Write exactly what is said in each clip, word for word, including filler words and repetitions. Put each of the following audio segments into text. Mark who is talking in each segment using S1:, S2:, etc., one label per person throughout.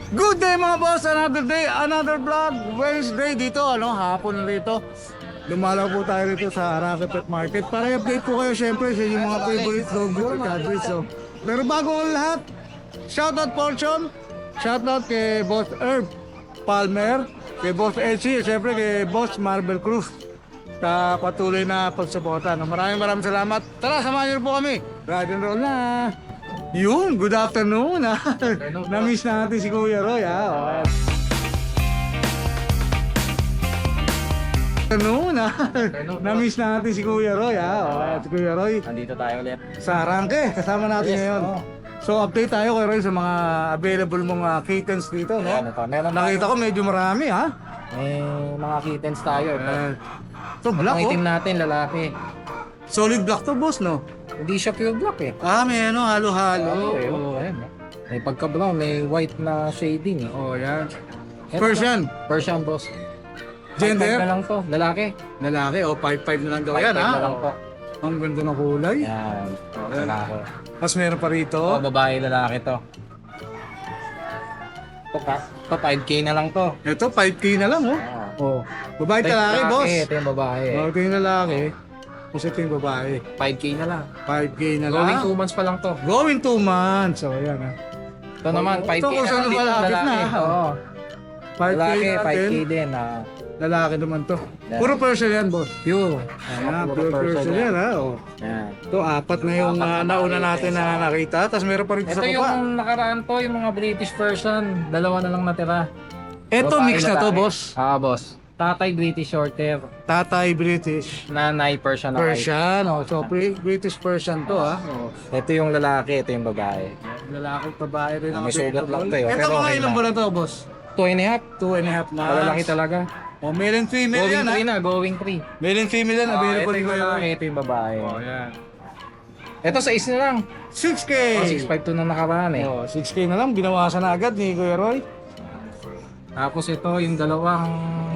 S1: Good day mga boss, another day, another vlog, Wednesday dito, ano, hapon na dito. Lumalaw po tayo dito sa Rocky Pet Market para i-update po kayo syempre sa yung mga favorite dog with Cadbury. So, pero bago ang lahat, shoutout Fortune, shoutout kay Boss Herb Palmer, kay Boss Elsie, syempre kay Boss Marvel Cruz sa patuloy na pagsuporta. No? Maraming maraming salamat. Tara, samahan niyo po kami. Ride and roll na. Yun, good afternoon. Ha? Na-miss natin si Kuya Roy. Ha? Okay. Afternoon. Ha? Na-miss natin si Kuya Roy. Ha? Okay. Si Kuya Roy.
S2: Nandito tayo ulit.
S1: Sa Arangke, kasama natin
S2: Yes,
S1: ngayon.
S2: oo.
S1: So update tayo Kuya Roy sa mga available mong uh, kittens dito. No?
S2: Ayan, ito. Meron
S1: Nakita ko medyo marami. Ha?
S2: May mga kittens tayo. Ito.
S1: Eh, so
S2: Ang
S1: black
S2: itim
S1: oh.
S2: natin, lalaki.
S1: Solid black to boss no?
S2: Hindi siya pure black eh.
S1: Ah, may ano, halo-halo.
S2: Okay, oh, ayan. May pagka-brown, may white na shading eh.
S1: Oh, yan.
S2: Ito,
S1: Persian.
S2: Persian boss.
S1: Gender?
S2: five five na lang to, lalaki.
S1: Lalaki, o oh, five five na lang daw yan,
S2: five five
S1: ha?
S2: na lang to.
S1: Ang ganda ng kulay.
S2: Yan.
S1: Ayan.
S2: Lalaki.
S1: Tapos meron pa rito.
S2: Oh, babae, lalaki to. Ito, ka- ito five K na lang to.
S1: Ito, five K na lang, oh.
S2: Oh.
S1: Babae
S2: Ito yung
S1: talaki, boss.
S2: Ito yung babae.
S1: Oh, ito yung lalaki. Tapos ito yung babae.
S2: five K na lang.
S1: five K na lang.
S2: Going two months pa lang to.
S1: Going two months. So, ayan, ha.
S2: Ito naman, five K
S1: Ito kung
S2: na
S1: saan
S2: lang din,
S1: malapit na,
S2: lalaki.
S1: ha?
S2: Oo.
S1: five K
S2: Lalaki, five K
S1: natin.
S2: din. Ah.
S1: Lalaki naman to.
S2: Yan.
S1: Puro Persian yan, boss.
S2: Pure.
S1: Ayan,
S2: Puro
S1: pure
S2: Persian
S1: Persian yan, ha. Oh.
S2: Yan.
S1: Ito, apat na yung uh, nauna natin na nakita. Tapos meron pa rito
S2: Ito
S1: sa
S2: yung
S1: baba.
S2: nakaraan to, yung mga British version. Dalawa na lang natira.
S1: Ito,
S2: Babae,
S1: mix na to,
S2: lalaki.
S1: boss.
S2: Ah, boss. Tatay British Shorthair.
S1: Tatay British.
S2: Nanay Persian na white.
S1: Persian, oh. So, pre- British Persian to, ha. Oh.
S2: Ito yung lalaki, ito yung babae.
S1: Lalaki at babae rin ang
S2: May sugat lang to, eh.
S1: Ito
S2: Pero
S1: mga
S2: okay
S1: ilang
S2: na.
S1: bulan to, boss?
S2: Two and a half.
S1: Two and a half months.
S2: Malalaki talaga.
S1: Oh, male and female
S2: Going
S1: yan, ha?
S2: three na, going three.
S1: Male and female yan,
S2: Ah,
S1: available
S2: ito yung
S1: ko
S2: lalaki,
S1: yun.
S2: ito yung babae.
S1: Oh, yan.
S2: Ito sa is na lang.
S1: six K!
S2: Oh, six five two na nakaraan eh.
S1: Oh, six K na lang, binawasan na agad ni Kuya Roy.
S2: Tapos ito yung dalawang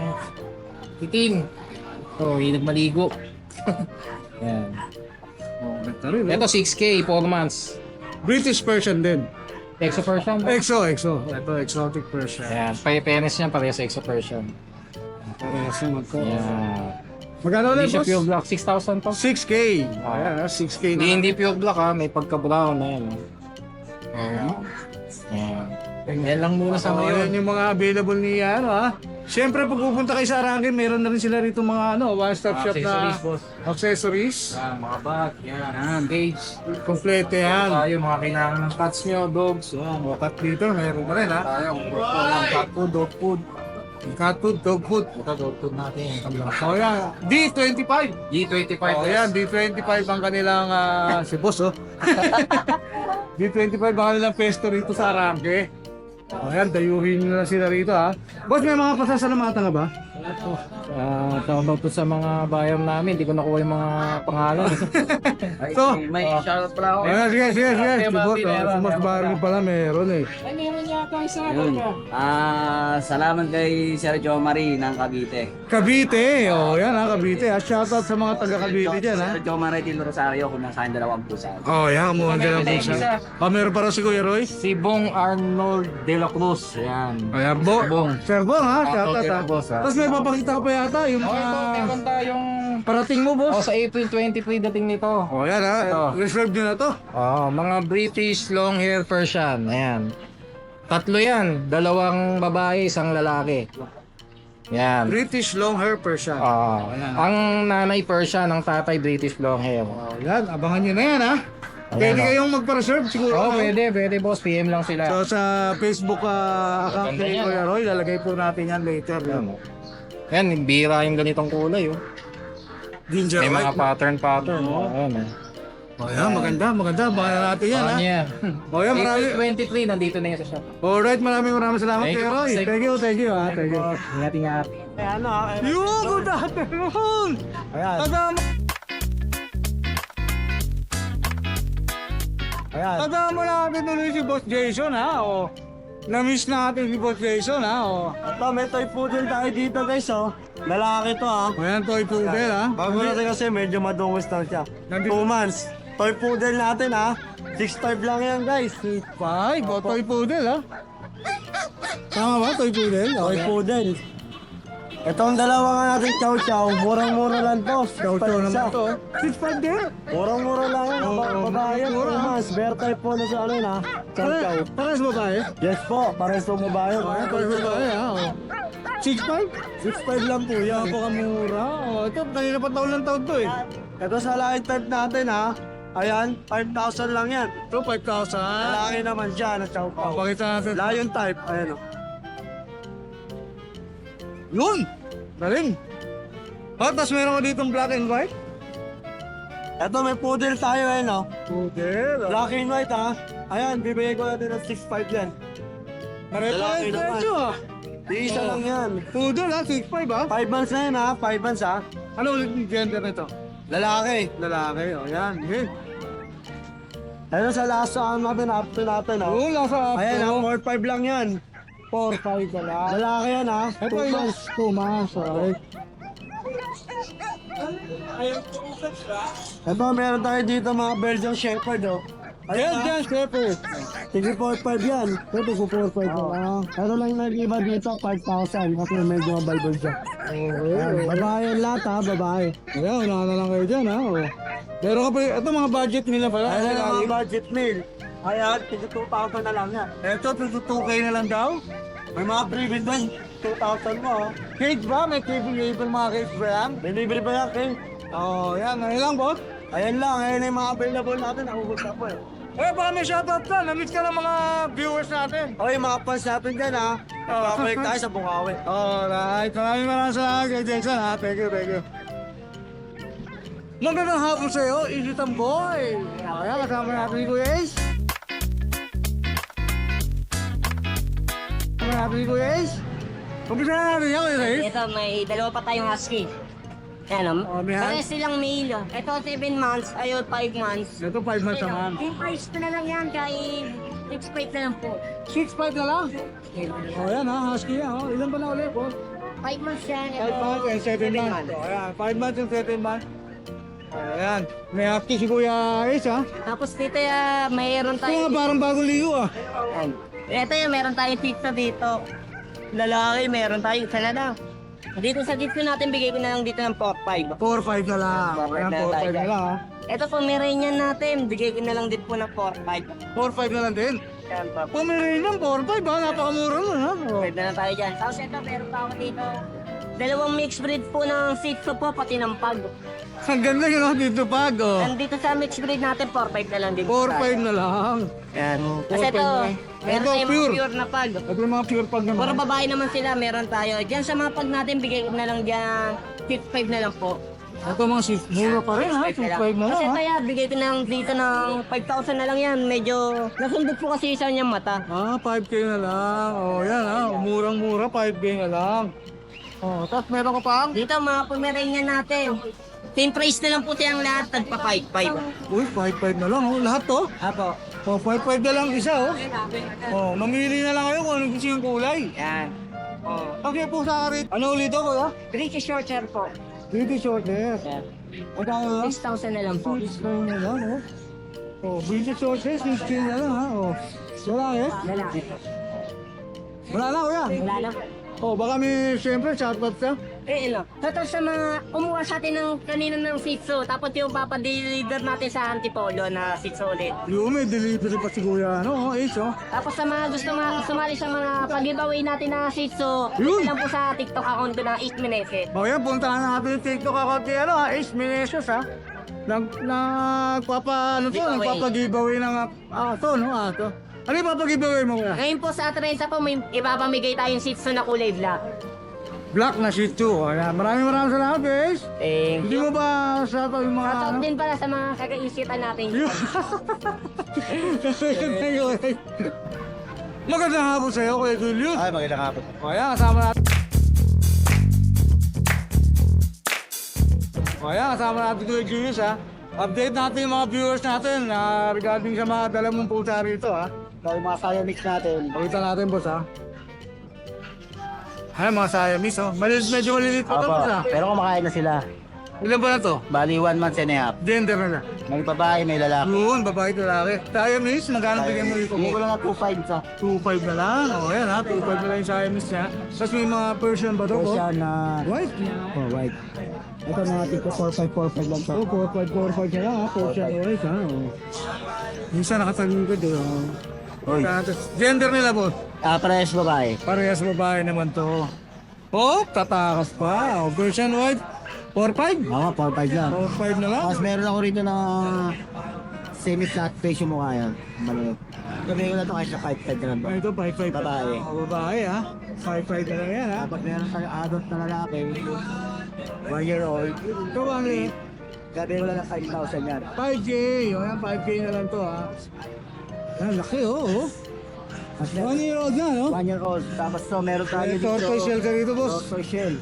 S2: itim. Oh, yung nagmaligo. Yan.
S1: Oh, ganda rin, eh.
S2: Ito six K, four months.
S1: British Persian din.
S2: Exo Persian.
S1: Exo, exo. Ito, exotic Persian.
S2: Yan, pa-penis niya pareha sa Exo Persian.
S1: Parehas yung magko.
S2: Yan.
S1: Magkano
S2: Hindi
S1: ulit,
S2: siya
S1: boss?
S2: pure black, six thousand to.
S1: six K. Ayan, ha? six K
S2: Hindi,
S1: na.
S2: hindi pure black ha, may pagka-brown na yan.
S1: Oh.
S2: Yan. Yan lang muna sa
S1: So,
S2: ngayon.
S1: yan yung mga available ni ano, ha? Siyempre, pag pupunta kayo sa Arangke, meron na rin sila rito mga ano, one-stop shop na
S2: Accessories, boss.
S1: accessories.
S2: Yan, mga bag, yan, cage.
S1: Kompleto yan.
S2: Tayo, mga kailangan ng cats nyo, dogs.
S1: Yan, o cat litter, meron pa rin, ha?
S2: Tayo, yan, cat food, dog food.
S1: Cat food, dog food.
S2: Ito, dog food natin.
S1: So, yan, D twenty-five.
S2: G twenty-five.
S1: Oh, yan, D twenty-five ang kanilang, ah, si boss, oh. D twenty-five ang kanilang pesto rito sa Arangke. O yan, dayuhin nyo na sila rito, ha? Boss, may mga pasasalamatan ka ba?
S2: Ah, tawag to sa mga bayan namin, hindi ko nakuha yung mga pangalan.
S1: So,
S3: May shoutout pala ako.
S1: ayan, sige, sige, sige.
S2: Okay,
S1: Si boss,
S2: Bobby,
S1: oh,
S2: meron,
S1: si boss
S2: meron
S1: Barney pala, meron eh.
S2: Ay, meron yata isa.
S3: Yun. Ah, salamat kay Sir Jo Marie ng Cavite.
S1: Cavite, oh, yan ha, Cavite, ha? Shoutout sa mga taga Cavite dyan, ha?
S3: Sir Jo Marie Tino Rosario kung nasa akin dalawang pusa.
S1: Oh, yan, kumuha din ang
S2: Meron
S1: pusa.
S2: isa.
S1: Oh, meron para si Kuya Roy?
S2: Si Bong Arnold De La Cruz. Yan.
S1: Ayan, bo.
S2: Bong.
S1: Sir Bong, ha?
S2: Ah,
S1: Shoutout,
S2: okay
S1: ha?
S2: po, boss, ha?
S1: Tapos may papakita ka pa yata, yung
S2: Oh, ito,
S1: mga
S2: meron tayong...
S1: parating mo,
S2: Oh,
S1: boss.
S2: sa April twenty-three dating nito.
S1: Oh, yan, ha?
S2: Ito.
S1: Reserve nyo na to.
S2: Oh, mga British long hair Persian. Ayan. Tatlo yan. Dalawang babae, isang lalaki. Yan.
S1: British long hair Persian.
S2: Ah,
S1: Ayan.
S2: ang nanay Persian, ang tatay British long hair.
S1: Oh, yan, abangan nyo na yan, ha?
S2: Ayan,
S1: Pwede
S2: oh.
S1: kayong magpa-reserve siguro.
S2: Oh,
S1: no?
S2: pwede, pwede boss. P M lang sila.
S1: So sa Facebook ah, account
S2: Ganda
S1: ni
S2: yan,
S1: Kuya Roy, lalagay po natin yan later.
S2: Ayan, oh. Ayan, bira yung ganitong kulay, oh.
S1: Ginger
S2: May mga
S1: white.
S2: pattern-pattern.
S1: Oo.
S2: Oh. Ayan, eh.
S1: Oh, yan, maganda, maganda. Abangan natin yan, ha?
S2: Oh, yeah.
S1: Oh, yan, marami.
S2: April twenty-three, nandito na yun sa shop.
S1: Alright, maraming maraming salamat
S2: Thank
S1: Kuya
S2: you.
S1: Roy.
S2: Thank-
S1: Thank you, thank you, ha? Thank you.
S2: Ingat, ingat.
S1: Yo, good afternoon!
S2: Ayan.
S1: Kasama,
S2: Ayan.
S1: kasama natin tuloy si Boss Jason, ha? O, na-miss natin si Boss Jason, ha? O,
S4: Ito, may toy poodle tayo dito guys, oh. Lalaki to, ah.
S1: o yan, toy poodle, ha?
S4: Bago natin kasi medyo madungos lang siya.
S1: Nandito-
S4: Two months. Toy poodle natin, ah. six five lang yan, guys.
S1: Five, o toy poodle, ha? Tama ba? Toy poodle?
S4: Toy
S1: Okay.
S4: poodle. Itong dalawa nga natin chow chow, murang-mura lang to.
S1: Chow chow naman to. six five din.
S4: Murang-mura lang yan.
S1: Oo,
S4: Ba-
S1: oo,
S4: babae yan,
S1: mura.
S4: two months. Bear type po na sa ano yun ha. Chow chow.
S1: Pare, pares babae?
S4: Yes po, pares po babae.
S1: Okay, pares babae ha. Oh. six five?
S4: six five lang po yan.
S1: Napakamura. Oh, ito, kanina pa taon lang taon to eh.
S4: Ito sa line type natin ha. Ayan, five thousand lang yan.
S1: Ito, five thousand.
S4: Lalaki naman siya na chow chow.
S1: Pakita natin.
S4: Lion type, ayan o.
S1: Yun! Galing! Oh, tapos meron ko ditong black and white.
S4: Ito may poodle tayo ayan o.
S1: Poodle.
S4: Black and white ha. Ayan, bibigay ko natin ng six five yan.
S1: Pare-pares
S4: Lalaki naman.
S1: presyo ah.
S4: Di isa lang yan.
S1: Poodle ha, six five ha.
S4: five months na yan ha, five months ha.
S1: Ano ulit yung gender nito?
S4: Lalaki.
S1: Lalaki, o yan. Okay.
S4: Ayun sa last sa natin, after natin ha.
S1: Oo, nasa
S4: Ayan ha,
S1: after.
S4: four five lang yan.
S1: four five ka lang.
S4: Lalaki yan ha.
S1: Ito
S4: Two
S1: yung
S4: months.
S1: two months, okay.
S4: Ito, meron tayo dito mga Belgian Shepherd oh.
S1: Ayan,
S4: ha.
S1: dyan, Shepherd.
S4: Sige, four five yan. Ito po four five ko. Ah, ito lang nag-iba dito, five thousand. Kasi medyo mabay dyan. Ayan, babae yan lahat ha, babae.
S1: Ayan, unahan na lang kayo dyan ha. Oh. Pero ka pa, ito mga budget nila pala.
S4: Ayan ang mga
S1: Ayan,
S4: budget meal. Ayan, tigil two thousand na lang yan.
S1: ito, two K na lang daw.
S4: May mga premium doon, two thousand mo ha.
S1: Cage ba? May cable label mga cage ba yan?
S4: May libre ba yan, Ken?
S1: Oo, oh, yan. Ano lang, boss?
S4: Ayan lang, ayan yung mga available natin. Nakubos na po eh.
S1: Eh, baka may shoutout ka. Na-meet ka ng mga viewers natin.
S4: Okay, mga fans natin dyan ha. Papalik tayo sa Bukawi.
S1: Alright, maraming maraming salamat kay Jason ha. Thank you, thank you. Magandang hapon sa iyo, Isitan Boy. Ayan, kasama natin si Kuya Ace. Kasama natin si Kuya Ace. Umpisa na natin yan, Kuya Ace.
S5: Ito, may dalawa pa tayong husky. Ayan,
S1: Oh,
S5: oh,
S1: may
S5: parehas silang male. oh. Ito, seven months. Ayun, five months.
S1: Ito, five months
S5: Ito,
S1: naman.
S5: yung price ko na lang yan, kay six five na lang po.
S1: six five na lang. O, yan ha, husky yan. Oh. Ilan ba na ulit? Oh?
S5: five months yan. Ito,
S1: five months and seven months. O, ayan, five months and seven months. Ayan, may husky si Kuya Ace ha.
S5: Tapos dito, uh, mayroon
S1: Ito nga,
S5: tayo.
S1: parang bagong ligo ah.
S5: Ayan. Ito yung meron tayong tito dito. Lalaki, meron tayong isa na lang. Dito sa dito natin, bigay ko na lang dito ng four five.
S1: four five na lang.
S5: four five
S1: Ayan,
S5: na
S1: four five
S5: tayo.
S1: na lang ha.
S5: Ito, Pomeranian natin. Bigay ko na lang din po ng four five.
S1: four five na lang din.
S5: Ayan po.
S1: Pomeranian, four five ha. Napakamura mo ha. O.
S5: Pwede na tayo dyan. Tapos ito, meron pa ako dito. Dalawang mixed breed po ng Shih Tzu po, pati ng Pug.
S1: Ang ganda yun ha, dito pag oh.
S5: Nandito sa mixed breed natin, four five na lang din.
S1: four five na lang.
S5: Yan.
S1: four
S5: Kasi
S1: five
S5: ito,
S1: na lang.
S5: meron
S1: Ito,
S5: tayong
S1: pure.
S5: mga pure na Pug.
S1: Ito yung mga pure pag naman.
S5: Puro babae naman sila, meron tayo. Diyan sa mga Pug natin, bigay ko na lang dyan, six five na lang po.
S1: Ito mga six, mura pa rin ha. six five na lang
S5: Kasi
S1: ha.
S5: kaya, bigay ko na lang dito ng five thousand na lang yan. Medyo, nasundot po kasi isa niyang mata.
S1: Ah, five K na lang. Oh, yan ha. Murang-mura, five K na lang. Oh, tapos meron ka pa?
S5: Dito, mga Pomeranian natin. Same price na lang po siyang lahat, tagpa five five.
S1: Uy, five five na lang oh. Lahat to.
S5: Apo.
S1: Oh, five five na lang isa oh. Oh, mamili na lang kayo kung anong gusto yung kulay.
S5: Yan.
S1: Oh, okay po sa akin. Ano ulit ako ha?
S5: British short hair po.
S1: Pretty short hair.
S5: Yan.
S1: Magkano lang?
S5: six thousand na lang po.
S1: six na lang oh. Oh, British short hair, six K na lang ha. Oh. Wala eh.
S5: Lalaki.
S1: Wala na kuya.
S5: Wala lang.
S1: Oh, baka may siyempre shoutout ka.
S5: Eh, ano? Tapos sa mga kumuha sa atin ng kanina ng Shih Tzu, tapos yung papadeliver natin sa Antipolo na Shih Tzu ulit.
S1: Yung may delivery pa si kuya, ano, oh, Ace, oh.
S5: Tapos sa mga gusto mga sumali sa mga pag-giveaway natin na Shih Tzu,
S1: Yun!
S5: ito lang po sa TikTok account ko na eight Meneses.
S1: O yan, puntahan natin yung TikTok account ni, ano, ha, Ace Menezes, ha. Nag, nagpapa, ano to,
S5: Giveaway.
S1: nagpapag-giveaway ng, ah, to, no, ah, to. Ano yung papag-giveaway mo, kuya?
S5: Ngayon po sa Atrenza po, may ipapamigay tayong Shih Tzu na kulay black.
S1: Black na Shih Tzu, oh, yan. Maraming maraming salamat, guys.
S5: Thank
S1: Hindi mo ba sa to yung mga,
S5: Shoutout
S1: ano?
S5: din pala sa mga kakaisitan natin.
S1: Magandang hapon sa'yo, Kuya Julius.
S4: Ay, magandang hapon.
S1: O yan, kasama natin. O yan, kasama natin Kuya Julius ha. Update natin yung mga viewers natin na regarding sa mga dala mong pusa rito ha.
S4: Dahil mga Siamese natin.
S1: Pakita natin boss ha. Ay, mga Siamese oh. Maliliit, medyo maliliit pa ito boss ha.
S4: Pero kumakain na sila.
S1: Ilan ba na to?
S3: Bali, one month and a half.
S1: Gender na na.
S3: May babae, may lalaki.
S1: Yun, babae at lalaki. Siamese, magkano bigyan mo dito?
S3: Hindi ko lang na two five sa
S1: two five na lang. O, yan ha. two five na lang yung Siamese niya. Tapos may mga Persian ba to? boss?
S3: Persian na
S1: White.
S3: oh, white. Ito mga tipo four five four five lang to.
S1: Oh, four five, four five na lang ha. Persian white ha. O. Minsan nakatagugod eh. oh.
S3: Oy.
S1: Tapos, gender nila boss?
S3: Ah, parehas babae.
S1: Parehas babae naman to. Oh, tatakas pa. O, Persian white. four five?
S3: Oo, four five lang.
S1: four five na lang.
S3: Tapos meron ako rito na semi-flat face yung mukha yan. Maliit. Gabi ko na ito kahit sa five five na lang ba?
S1: Ito, five five.
S3: Babae.
S1: Oh, babae ha. five five na lang yan ha.
S3: Tapos meron tayo adult na lalaki. One year old.
S1: Ito ba ano eh?
S3: Gabi ko lang na five thousand yan.
S1: five K. O yan, five K na lang to ha. Yan, laki oh. oh.
S3: Tapos meron-
S1: One year old na no?
S3: One year old. Tapos so meron tayo
S1: May
S3: dito.
S1: tortoise shell ka dito boss.
S3: Tortoise shell.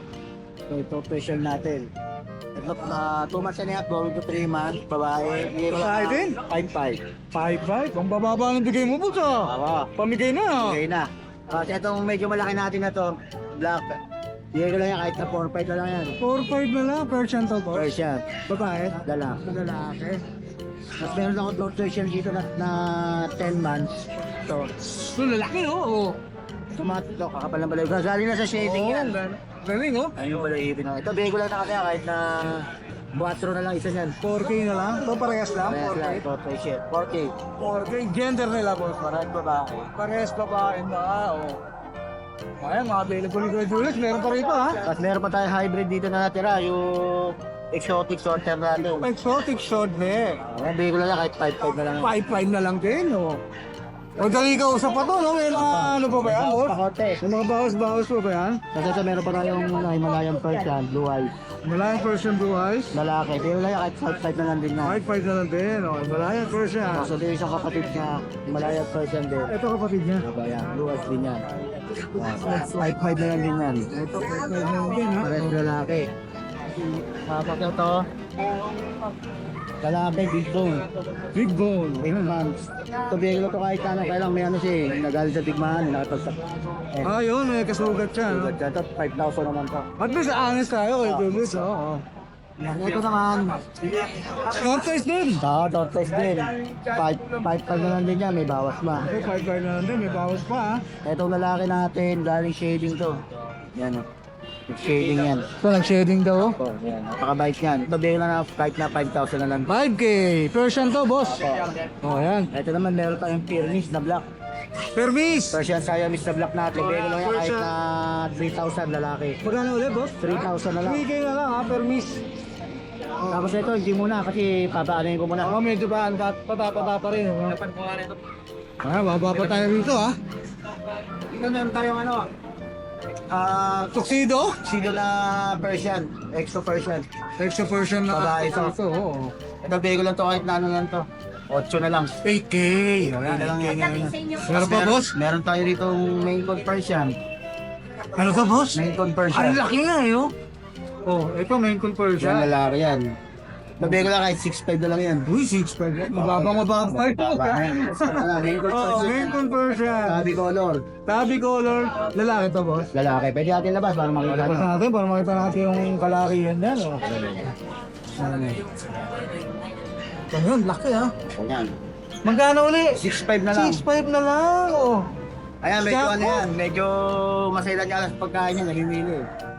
S3: So ito tortoise shell natin. Ito na two months and a half, going to three months. Babae. Bigay ko lang
S1: Babae
S3: ng
S1: din?
S3: five five.
S1: five five. Ang bababa ng bigay mo boss ah.
S3: Awa.
S1: Pamigay na ah.
S3: Okay na. Kasi itong medyo malaki natin na to, black. Bigay ko lang yan kahit na four five na lang yan.
S1: four five na lang. Persian to boss.
S3: Persian.
S1: Babae.
S3: Dala.
S1: Lalaki.
S3: Tapos meron ako tortoise shell dito na, na ten months. So,
S1: So lalaki oh. oh.
S3: tumato to, kakapal ng balay. Galing na sa shading
S1: Oh,
S3: yan.
S1: gan- galing oh.
S3: Ayun yung balay na. Ito, bigay ko lang na kasi kahit na buwatro na lang isa niyan.
S1: four K na lang. Ito parehas lang.
S3: Parehas
S1: four K.
S3: lang, tortoise shell. four K.
S1: four K. Gender nila boss.
S3: Parehas babae.
S1: Parehas babae na oh. Ayan, mga available ni Kuya Julius. Meron pa rito ha.
S3: Tapos meron pa tayo hybrid dito na natira, yung exotic sorter natin.
S1: Exotic short hair.
S3: Ayan, bigay ko lang yan kahit five five na lang. yan.
S1: five five na lang din oh. O dali ka usap pa to no? May mga ano pa ba yan boss?
S3: Pakote.
S1: May mga bawas-bawas pa ba yan?
S3: Tapos ito meron pa tayong Himalayan Persian, blue eyes.
S1: Malayan Persian Blue Eyes.
S3: Lalaki, bigay ko lang yan kahit five five na lang din na.
S1: five five na lang din. O, Malayan Persian.
S3: Tapos ito yung isang kapatid niya, Himalayan Persian din.
S1: Ito kapatid niya.
S3: Diba yan, blue eyes din yan. five five na lang din yan.
S1: Ito five five na lang din ha.
S3: Parehas lalaki. Tapos ito, lalaki, big bone.
S1: Big bone.
S3: eight months. Ito bigay ko lang ito kahit ano, kailang may ano siya eh, nagalit sa tigmaan, nakapagsak. Eh,
S1: Ah, yun. May kasugat siya. No?
S3: Sugat ka, ito, five thousand naman to.
S1: At least honest tayo kay Julius. Oo.
S3: Ito naman,
S1: Contest din.
S3: sa tortoise din. five five na lang din yan, may bawas pa.
S1: Ito five five na lang din. May bawas pa ha.
S3: Itong lalaki natin, galing shading to. Yan o. Shading yan.
S1: Ito nag-shading daw.
S3: Oh, yan. Napakabait yan. Ito bigay lang na kahit na five thousand na lang.
S1: five K. Persian to boss. O, yan.
S3: Ito naman meron tayong Pyrenees na black.
S1: Permis.
S3: Persian Siamese na black natin. Bigay ko lang yan kahit na three thousand lalaki.
S1: Magkano ulit boss?
S3: three thousand na lang.
S1: three K na lang ha. Permis.
S3: Tapos ito, hindi muna kasi papaanoin ko muna.
S1: Ako medyo ba ang patapata pa rin. oh. Ah, baba pa tayo rito ha.
S3: Ito meron tayong ano, ah,
S1: Tuxedo?
S3: sino na Persian, exo Persian.
S1: Extra Persian na
S3: Babae to.
S1: ito. Oo.
S3: Ito bigay ko lang to kahit na ano lang to. eight na lang.
S1: eight K.
S3: Ayan, na lang yan.
S1: Meron pa boss?
S3: Meron tayo rito main con Persian.
S1: Ano to boss?
S3: Main con
S1: Ang
S3: Persian.
S1: laki nga eh oh. Oh, ito main
S3: Yan,
S1: conversion.
S3: lalaki yan. Nabigay ko lang kahit six five na lang yan.
S1: Uy, six five. Mababang mababang.
S3: Main con
S1: Oo, main
S3: Persian.
S1: conversion.
S3: Sabi color.
S1: Tabi color. Lalaki to boss.
S3: Lalaki. Pwede natin labas para makita
S1: Labas
S3: nyo.
S1: natin para makita natin yung kalakihan yan. Oh. Ano eh. Ayun, laki ha.
S3: Yan.
S1: Magkano uli?
S3: six five na lang.
S1: six five na lang. Oh.
S3: Ayan, medyo
S1: Siya
S3: ano
S1: po.
S3: yan. Medyo masailan niya alas pagkain niya. Nagmimili.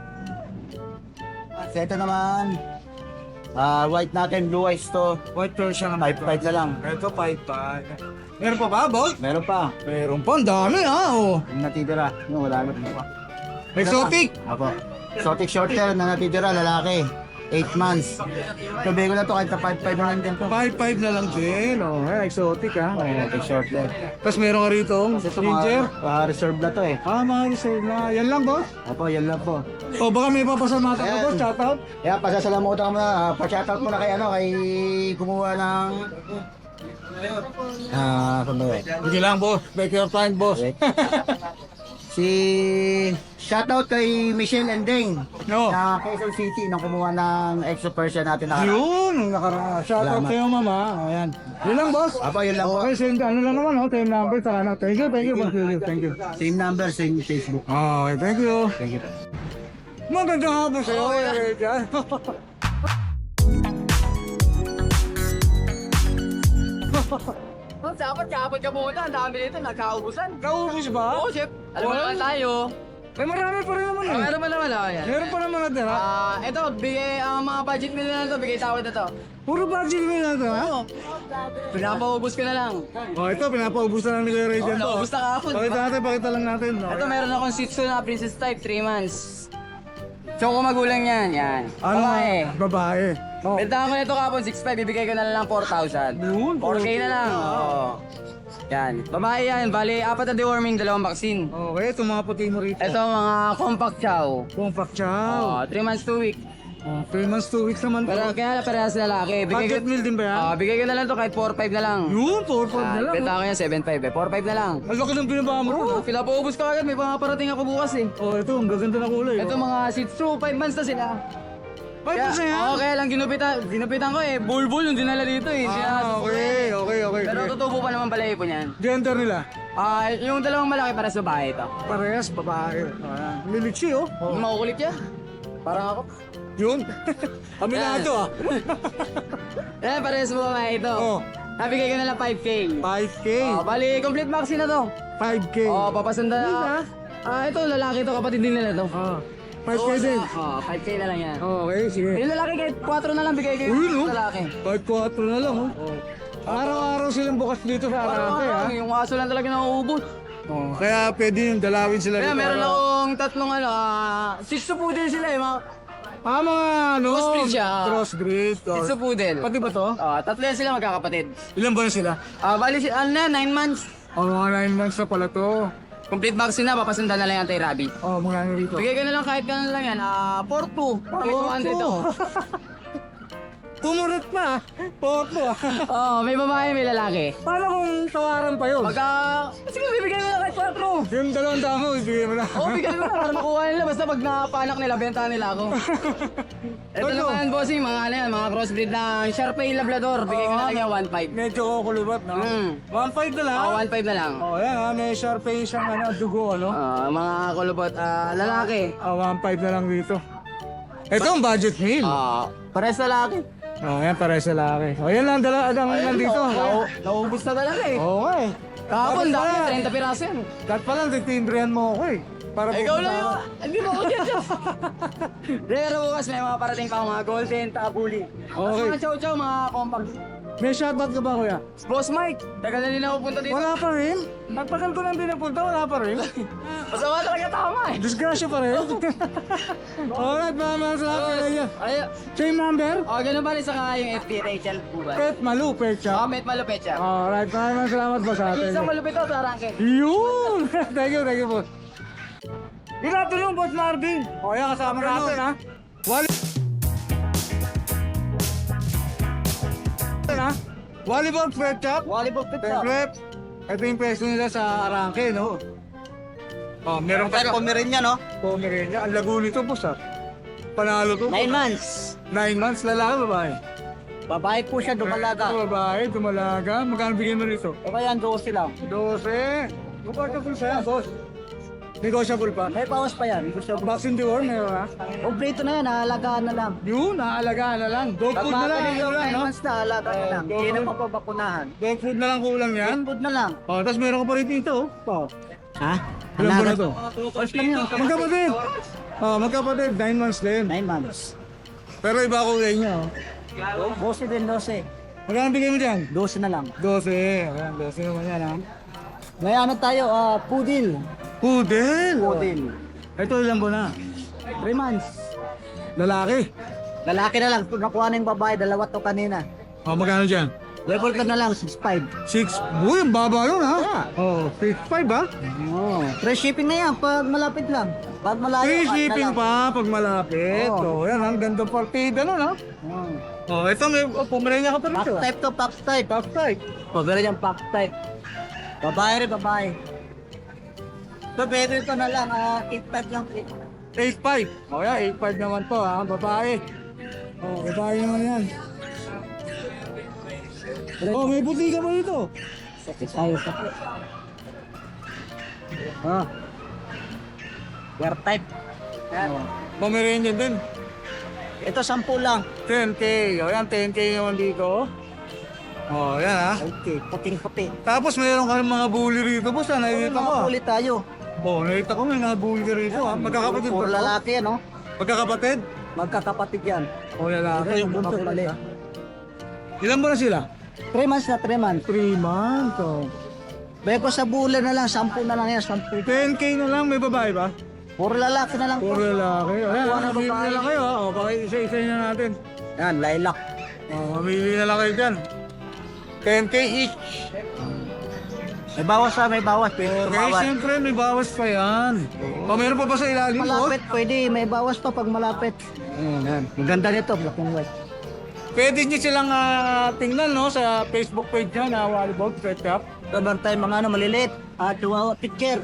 S3: So ito naman. Ah, white natin, blue eyes to.
S1: White Persian
S3: five five na lang.
S1: Ito five five. Meron pa ba, boss?
S3: Meron pa.
S1: Meron pa. Ang dami ha. Oh.
S3: Yung natitira. Yung wala na pa.
S1: Exotic.
S3: Apo. Exotic short hair na natitira, lalaki. eight months. Sabi ko na to kahit na five five na lang din to.
S1: five five na lang din. Oh, eh, exotic ha.
S3: Exotic short hair.
S1: Tapos meron ka rito,
S3: Kasi ito
S1: ginger.
S3: mga ah, reserve na to eh.
S1: Ah, mga reserve na. Yan lang, boss.
S3: Apo, yan lang po.
S1: O, baka may papasalamatan ka,
S3: Ayan.
S1: boss. Shout out.
S3: Kaya pasasalamutan ko muna, uh, pa-shoutout muna kay ano, kay kumuha ng ah, ano ba yun?
S1: Sige lang, boss. Take your time, boss.
S3: Wait. Si shoutout kay Michelle Ending
S1: No.
S3: na Quezon City nang kumuha ng extra Persian natin na.
S1: Yun, nakara. Shout out
S3: Salamat.
S1: sa'yo, mama. Ayan. Yun lang, boss.
S3: Apo, yun lang po.
S1: Okay, send ano lang naman, oh. Time number, saka na. Thank you, thank you, boss. Thank you.
S3: Same number, same Facebook.
S1: Okay, thank you.
S3: Thank you.
S1: Magandang hapon sa'yo, Kuya Rejan.
S3: Oh, dapat kapag ka pumunta, ang dami nito, nagkaubusan.
S1: Naubos ba?
S3: Oo, chef. Alam mo naman tayo.
S1: Eh, marami pa rin naman
S3: Oh,
S1: eh.
S3: meron pa naman ako yan.
S1: Meron pa naman natira.
S3: Ah, ito, bigay ang mga budget nila na to, bigay tawad na to.
S1: Puro budget mo na ito, ha?
S3: Pinapaubos ko na lang.
S1: Oh, ito, pinapaubos na lang ni Kuya Ray
S3: Oh,
S1: dyan to.
S3: naubos na kahapon.
S1: Pakita natin, pakita lang natin. no?
S3: Ito, meron akong Shih Tzu na princess type, three months. Choco magulang yan, yan.
S1: Ano?
S3: Babae.
S1: Babae. Oh.
S3: Bentahan ko na ito kahapon, six five, bibigay ko na lang four thousand.
S1: Yun,
S3: four K na lang. Oo. Yan. Babae yan, bali apat na deworming, dalawang vaccine.
S1: Okay, ito mga puti mo rito.
S3: Ito mga compact chow.
S1: Compact chow.
S3: Oh, three months, two week.
S1: Oh, three months, two weeks naman.
S3: Pero kaya parehas lalaki. Bigay
S1: Budget
S3: ko,
S1: meal din ba yan?
S3: Ah, bigay ko na lang to kahit four five na lang.
S1: Yun, four five na
S3: Ah,
S1: lang.
S3: bentahan ko yan, seven five eh. four five na lang.
S1: Ang laki ng binaba mo.
S3: Oo, oh, pinapaubos ko agad. May mga parating ako bukas eh.
S1: Oh, ito, ang gaganda na kulay.
S3: Ito mga Shih Tzu, five months na sila.
S1: Five
S3: Kaya,
S1: months na yan?
S3: oo, kaya lang ginupitan, ginupitan ko eh. Bulbul yung dinala dito eh. Sila-
S1: Ah, okay, okay, okay.
S3: Pero
S1: okay.
S3: tutubo pa naman pala po niyan.
S1: Gender nila?
S3: Ah, yung dalawang malaki para sa bahay ito.
S1: Parehas, babae. Ah, Lilichi, oh. oh.
S3: Yung makukulit yan. Parang ako.
S1: Yun. Aminado, ah.
S3: Eh, parehas mo babae ito.
S1: Oh,
S3: Nabigay ko na lang five K.
S1: five K.
S3: Oh, bali, complete vaccine na to.
S1: five K.
S3: Oh, papasanda na. Ah, ito, lalaki to, kapatid din nila to.
S1: Ah, five K din.
S3: Oh, five K na lang yan.
S1: Okay, sige.
S3: Yung lalaki kahit four na lang bigay ko
S1: Uy, no?
S3: yung lalaki.
S1: five four na lang, oh. Araw-araw silang bukas dito sa Arate, ha?
S3: Yung aso lang talaga nauubos.
S1: Oh, kaya pwede yung dalawin sila
S3: Kaya
S1: dito.
S3: meron akong tatlong ano, ah, Shih Tzu poodle sila eh, mga
S1: Ah, mga ano?
S3: Crossbreed siya.
S1: Crossbreed.
S3: Shih
S1: Oh.
S3: Tzu poodle.
S1: Pati ba to?
S3: Ah, tatlo yan sila magkakapatid.
S1: Ilan ba na sila?
S3: Ah, bali si ano na, nine months.
S1: Oh, mga nine months na pala to.
S3: Complete vaccine na, papasunda na lang yung anti-rabies.
S1: Oh, mga ano rito.
S3: Bigay ko na lang kahit ganun lang yan, ah, four two. May two hundred ako.
S1: Tumurot pa. Porto, ah.
S3: Oo, may babae, may lalaki.
S1: Paano kung tawaran pa yun?
S3: Pagka, sige, bibigay mo na kahit four.
S1: Yung dalawang damo, ibigay mo na.
S3: Oo, bigay mo na para makuha nila. Basta pag napanak nila, bentahan nila ako. Ito
S1: Ano?
S3: naman, bossing, mga ano yan, mga crossbreed ng Sharpei Labrador. Bigay ko na lang yan, one five.
S1: Medyo kukulubat, no?
S3: Mm.
S1: one five na lang.
S3: Ah, one five na lang.
S1: Oh, yan ha. May Sharpei siyang ano, dugo, ano?
S3: Ah, mga kulubot, ah, lalaki.
S1: Ah, one five na lang dito. Ito ang budget meal.
S3: Ah, pares lalaki.
S1: Oh, yan, para sa laki. Oh, yan lang, dala, ang nandito.
S3: Nau- Naubos na talaga eh.
S1: Oo nga eh.
S3: Kahapon,
S1: Dapat
S3: dami,
S1: pala.
S3: thirty piraso yan.
S1: Dapat pala, titimbrihan mo ako eh. Para
S3: Ikaw
S1: pupunta
S3: lang
S1: ako.
S3: yung, hindi mo ako dyan. Pero bukas may mga parating pa mga golden, tabuli.
S1: Okay.
S3: Mga chow-chow, mga compact.
S1: May shoutout ka ba, kuya?
S3: Boss Mike, tagal na din ako punta dito.
S1: Wala pa rin. Nagpagal ko lang din napunta, wala pa rin.
S3: Masama talaga tama eh.
S1: Disgrasya pa rin. Alright, mga mga salamat sa inyo.
S3: Ay,
S1: Same number?
S3: oh, ganun ba rin saka yung F B Rachel Bubay?
S1: Pet Malu, Pet
S3: Oh,
S1: Shop.
S3: met malupit siya.
S1: Alright, maraming salamat po sa atin.
S3: Isang malupit to sa Arangke.
S1: Yun! Thank you, thank you, boss. Good afternoon, Boss Marvin. O, yan, kasama natin, ha? Wally... ha? Volleyball Pet Shop.
S3: Volleyball pit siya.
S1: Siyempre, ito yung pwesto nila sa Arangke, no? Oh, meron pa
S3: Pero kumirin niya, no?
S1: Pomerania. Ang lago nito, boss, ha? Panalo to.
S3: Nine months.
S1: Nine months, lalaki, babae.
S3: Babae po siya, dumalaga.
S1: Ito, babae, dumalaga. Magkano bigyan mo rito?
S3: O kaya ang dose lang.
S1: Dose. Negotiable sa'yo, boss. Negotiable pa.
S3: May pawas pa yan. Gusto ko.
S1: Vaccine deworm, meron ha?
S3: Obrito na yan, naalagaan na lang.
S1: Yun, naalagaan na lang. Dog food na lang,
S3: yung
S1: kulang,
S3: nine
S1: no?
S3: months na, alagaan na lang.
S1: Oh,
S3: Hindi na
S1: dog-
S3: papabakunahan.
S1: Dog food na lang kulang yan.
S3: Food na lang.
S1: Oh, tapos meron ka pa rin dito. Oh.
S3: Ha?
S1: Ilan ba na to?
S3: First lang yun.
S1: Magkapatid. Oh, magkapatid. Nine months din.
S3: Nine months.
S1: Pero iba ako niya, oh.
S3: Dose din, dose.
S1: Magkano bigay mo dyan?
S3: Dose na lang.
S1: Dose. Ayan, dose naman yan, ha?
S3: May ano tayo, ah, poodle.
S1: Pudel.
S3: Poodle.
S1: Ito ilang buwan na?
S3: Three months.
S1: Lalaki.
S3: Lalaki na lang. Nakuha na yung babae, dalawa to kanina.
S1: Oh, magkano dyan?
S3: Level ka na lang, six five.
S1: Six. Uy, ang baba yun, ha?
S3: Yeah.
S1: Oh, six five, ha?
S3: Oh. Free shipping na yan, pag malapit lang. Pag malayo,
S1: Free
S3: kahit na
S1: shipping
S3: lang.
S1: pa pag malapit.
S3: Oo.
S1: Oh, yan, ang ganda partida nun, ha?
S3: Oh.
S1: Oh, ito may oh, Pomerania ka pa
S3: Pack
S1: rito.
S3: type to, pack type.
S1: Top type.
S3: Pagkara niyang pack type. Babae rin, babae. So, pwede ito na lang, ah, eight five lang.
S1: eight five. Oh, yan, eight five naman to, ha? Babae. Oh, babae naman yan. Oh, may puti ka pa dito.
S3: Sakit tayo, sakit.
S1: Ha?
S3: Wear type.
S1: Oh. Pomeranian din.
S3: Ito, sampu lang.
S1: ten K. O yan, ten K naman dito. Oh, yan ha.
S3: Okay, puting-puti.
S1: Tapos mayroon kami mga bully rito, boss. Ha? Nakikita ko. ah.
S3: Ulit tayo.
S1: Oh, nakita ko may mga bully rito. Ha? Magkakapatid ba
S3: Puro
S1: to?
S3: lalaki, ano?
S1: Magkakapatid?
S3: Magkakapatid yan.
S1: O lalaki.
S3: Ito yung buntot mali.
S1: Ilan ba na sila?
S3: three months na, three months.
S1: three months. Oh.
S3: Beko sa bulan na lang, sampu na lang yan, sampu.
S1: ten K na lang, may babae ba?
S3: Puro lalaki na lang.
S1: Puro lalaki. Ayan,
S3: Kuha na
S1: mamili
S3: babae.
S1: na lang kayo ha. O, baka isa-isa na natin.
S3: Yan, lilac.
S1: O, mamili na lang kayo dyan. ten K each.
S3: May bawas ha, may bawas. Pwede
S1: Okay,
S3: tumawad.
S1: siyempre may bawas pa yan. O, meron pa ba sa ilalim? Oh?
S3: Malapit, pwede. May bawas pa pag malapit. Yan. Ang ganda nito, black and white.
S1: Pwede nyo silang ah, tingnan no, sa Facebook page nyo na Wallybog Pet Shop.
S3: Meron tayo mga ano, maliliit. Ah, chihuahua picture.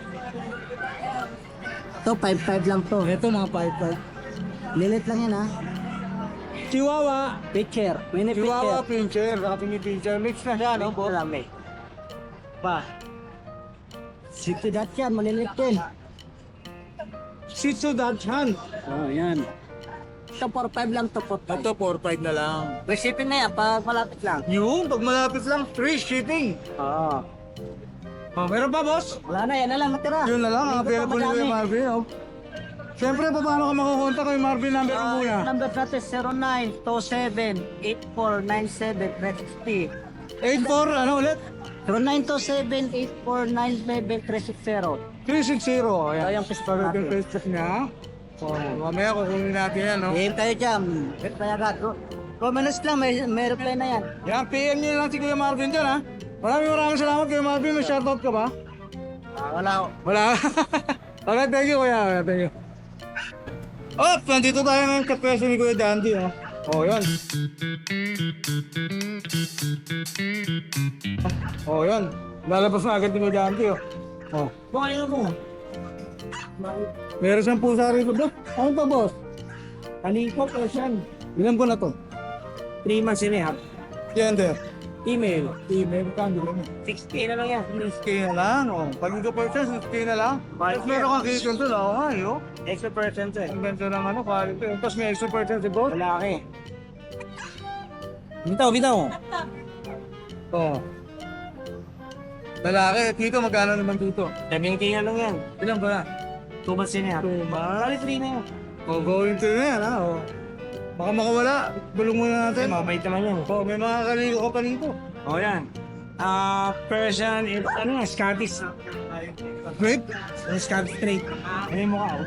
S3: Ito, five five lang to.
S1: Ito mga five five.
S3: Lilit lang yan ha.
S1: Chihuahua.
S3: Picture. Mini
S1: Chihuahua
S3: picture.
S1: pincher. Ating pincher. Mix na siya, no?
S3: Ito lang, may. Pa. Sixty dot yan, maliliit din.
S1: Shih Tzu Dachshund.
S3: Oh, yan. Ito, four five lang to, four five.
S1: Ito, four five na lang.
S3: May shipping na yan, pag malapit lang.
S1: Yung, pag malapit lang, free shipping.
S3: Oo.
S1: Oh, meron pa, boss?
S3: Wala na, yan na lang natira.
S1: Yun na lang, ang
S3: Hindi ko pa
S1: available ni Kuya
S3: madami.
S1: Marvin. Oh. Siyempre, pa, paano ka makakontak kay Marvin? Number mo
S3: Ah,
S1: muna.
S3: number natin zero nine two seven eight four nine seven three six zero.
S1: eight four, ano ulit?
S3: zero nine two seven eight four nine seven three six zero.
S1: three six zero.
S3: Ito
S1: Ayan.
S3: yung Facebook
S1: Yung
S3: natin.
S1: Facebook niya. Oh, mamaya kukunin natin yan, no?
S3: Game tayo dyan. Reply agad. Comments lang, may, may reply na yan.
S1: Yan, P M niyo lang si Kuya Marvin dyan, ha? Maraming maraming salamat, Kuya Marvin. May shoutout ka ba?
S3: Ah, wala ko.
S1: Wala. Okay, thank you, Kuya. Okay, thank you. Oh, nandito tayo ngayon sa pwesto ni Kuya Dandy, oh. Oh, yan. Oh, yan. Lalabas na agad ni Kuya Dandy, oh. Oh.
S3: Bukay mo.
S1: Meron siyang pusa rito, bro. Ano pa, boss?
S3: Kaliko po siya.
S1: Ilan po na to?
S3: three months and a half.
S1: Gender.
S3: Email.
S1: Email ka, hindi lang.
S3: six K na lang yan.
S1: six K na lang, oh. Pag ikaw pa siya, six K na lang. Tapos meron kang kitchen to, oh, ay, oh.
S3: Extra percent eh.
S1: Ang ganda ng ano, quality. Tapos may extra percent si boss.
S3: Lalaki. Bitaw, bitaw.
S1: Oh. Lalaki, dito magkano naman dito?
S3: seven K na lang yan.
S1: Ilan ba na?
S3: two months and a half.
S1: Two months?
S3: Bali three na yan.
S1: Oh, going to na yan, ha? Oh. Baka makawala. Bulong muna natin.
S3: Mabait naman yan.
S1: Oh, may mga kaligo ka pa dito.
S3: O yan. Ah, Persian, eh, ano nga, Scottish.
S1: Grape?
S3: Scottish straight. Ano yung mukha, oh.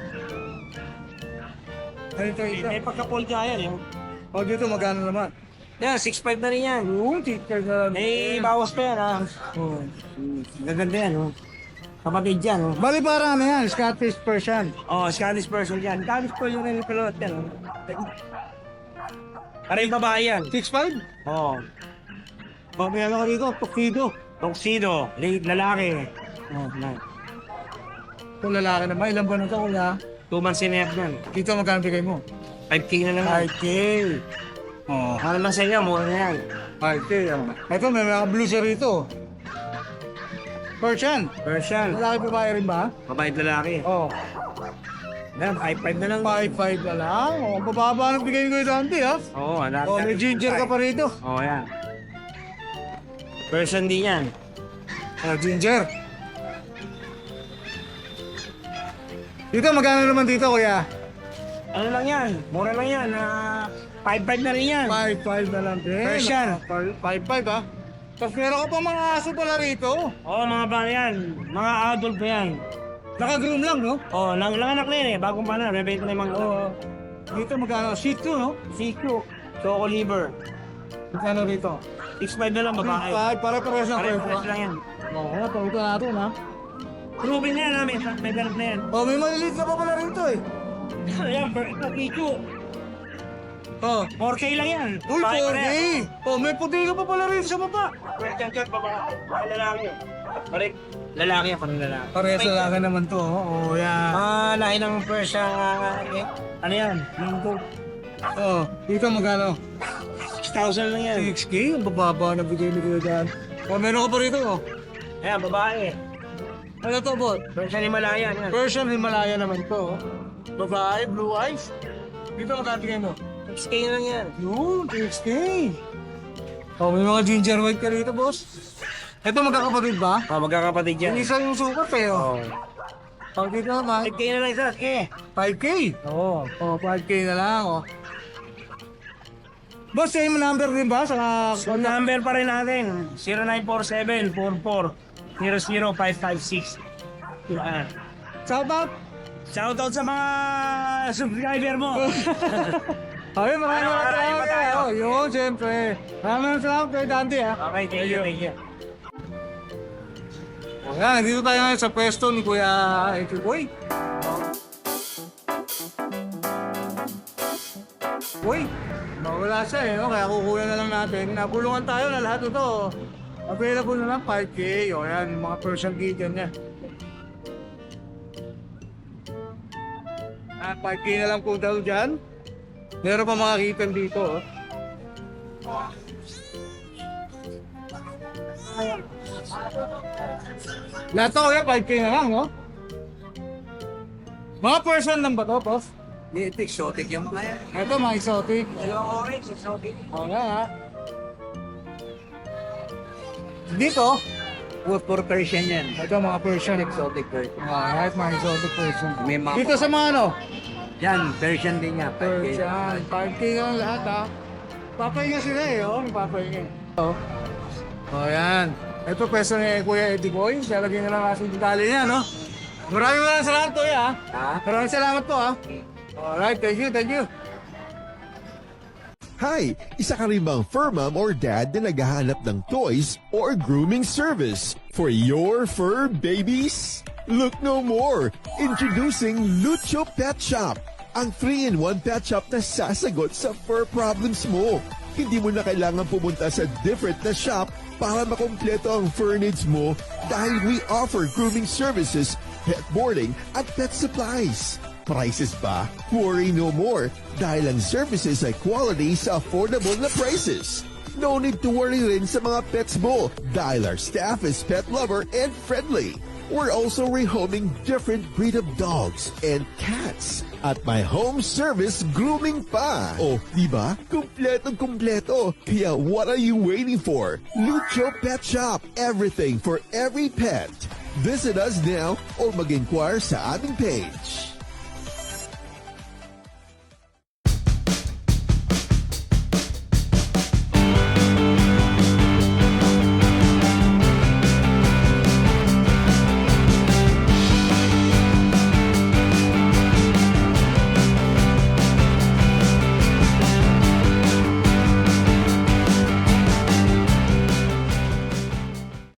S1: Ano ito, ito?
S3: May pagka-pull ka yan, yung...
S1: Oh, dito magkano naman?
S3: Yan, six five na rin yan.
S1: Oo, teacher na lang.
S3: May bawas pa yan, ha.
S1: Oh.
S3: Gaganda yan, oh. Kapatid yan, oh.
S1: Bali para ano yan, Scottish Persian.
S3: Oh, Scottish Persian yan. Scottish Persian yung pilot yan, oh. Para yung babae yan.
S1: six five?
S3: Oh.
S1: Oh, may ano ka dito, tuxedo.
S3: Tuxedo, late lalaki. Oh, na.
S1: Kung lalaki naman, ilan ba na ito, kuya?
S3: Two months and a half yan.
S1: Dito magkano bigay mo?
S3: five K na lang.
S1: five K. Oh,
S3: Ano lang sa inyo, mura na yan.
S1: five K. oh. Ito, may mga blue siya rito. Persian.
S3: Persian,
S1: Lalaki babae rin ba?
S3: mabait lalaki.
S1: Oh,
S3: Yan, five five na lang.
S1: five five na lang. Oh, bababa ng bigay ko yung Dante, ha?
S3: Oo, oh, anak.
S1: Oh, may ginger ka pa rito.
S3: Oo, oh, yan. Persian din yan.
S1: Oh, ginger. Dito, magkano naman dito, kuya?
S3: Ano lang yan? Mura lang yan. Ah, five five na rin yan.
S1: five five na lang din.
S3: Persian.
S1: five five, ha? Tapos meron ka pa mga aso pala rito.
S3: Oo, oh, mga ba yan? Mga adult pa yan.
S1: Naka-groom lang, no?
S3: Oo, oh, lang, lang anak na yan eh. Bagong pa na. Rebate na yung mga...
S1: Oo. Dito magkano? Shih Tzu, no?
S3: Siku. Choco liver.
S1: Magkano rito?
S3: six five na lang babae.
S1: five, para-pares na
S3: Pare,
S1: presyo.
S3: fresh lang yan.
S1: Oo, oh, ito natin, ha?
S3: Proven na yan namin. May ganap na yan.
S1: Oh, may maliliit na pa pala rito, eh.
S3: Ayan, ito, Pichu.
S1: Oh.
S3: four K lang yan.
S1: Uy,
S3: Babae
S1: four
S3: pa
S1: K!
S3: rin.
S1: Oh, may puti ka pa pala rito sa baba.
S3: Question check, babae. Babae lalaki. Pare, lalaki yan, parang lalaki.
S1: Parehas na lang naman to, oh. Oh, yeah.
S3: Ah, lahi ng Persian, ah, eh, ano yan? Linggo.
S1: Oh, dito magkano?
S3: six thousand lang yan.
S1: six K? Ang bababa na bigay ni Kuya Dan. Oh, meron ka pa rito, oh.
S3: Ayan, babae.
S1: Ano to, bot?
S3: Persian Himalayan yan.
S1: Persian Himalaya naman to, oh. Babae, blue eyes. Dito magkano bigay mo?
S3: six K lang yan.
S1: Yun, six K. Oh, may mga ginger white ka rito, boss. Ito magkakapatid ba?
S3: Ah, magkakapatid yan.
S1: Yung isa yung sukat eh, oh. Pag dito naman,
S3: five K na lang isa. Eh.
S1: five K. Oo. Oh, five K na lang, oh. Boss, same number din ba sa...
S3: So, number pa rin natin. zero nine four seven, four four zero zero five five six. Uh,
S1: Shout out!
S3: shoutout sa mga subscriber mo.
S1: Ay, maraming
S3: Ano,
S1: maraming
S3: marami pa tayo.
S1: Oh, yun, siyempre. Maraming salamat kay Dante, ha.
S3: Okay, thank you, thank you.
S1: Ayan, dito tayo ngayon sa pwesto ni Kuya Eki Boy. Boy, mawala siya eh, no? Kaya kukuha na lang natin. Nabulungan tayo na lahat ito. Available na lang five K. O yan, mga Persian kitten niya. Ah, five K na lang po daw dyan. Meron pa mga kitten dito. Oh. Lahat to kuya, five K na lang, no? Mga person lang ba to, boss?
S3: Hindi, exotic yung mga yan.
S1: Ito, mga exotic.
S3: Dalawang orange, exotic.
S1: Oo nga, ha? Dito,
S3: Pure, pure Persian yan.
S1: ito mga Persian.
S3: Exotic Persian.
S1: Ah, right, mga exotic person.
S3: May mga...
S1: Dito sa mga ano?
S3: Yan, Persian din yan.
S1: Persian. five K lang lahat, ha? Papahinga sila eh, oh. Papahinga. Oh. Oh, yan. Ito pwesto ni Kuya Eddie Boy. Siya lagyan na lang kasi yung detalye niya, no? Maraming maraming salamat, Kuya, ha?
S3: Ha?
S1: Maraming salamat po, ha? Alright, thank you, thank you.
S6: Hi! Isa ka rin bang fur mom or dad na naghahanap ng toys or grooming service for your fur babies? Look no more! Introducing Lucho Pet Shop, ang three in one pet shop na sasagot sa fur problems mo. Hindi mo na kailangan pumunta sa different na shop para makompleto ang fur needs mo dahil we offer grooming services, pet boarding at pet supplies. Prices ba? Worry no more dahil ang services ay quality sa affordable na prices. No need to worry rin sa mga pets mo dahil our staff is pet lover and friendly. We're also rehoming different breed of dogs and cats at my home service grooming pa. Oh, di ba? Kumpletong kumpleto. Kaya what are you waiting for? Lucho Pet Shop. Everything for every pet. Visit us now or mag-inquire sa aming page.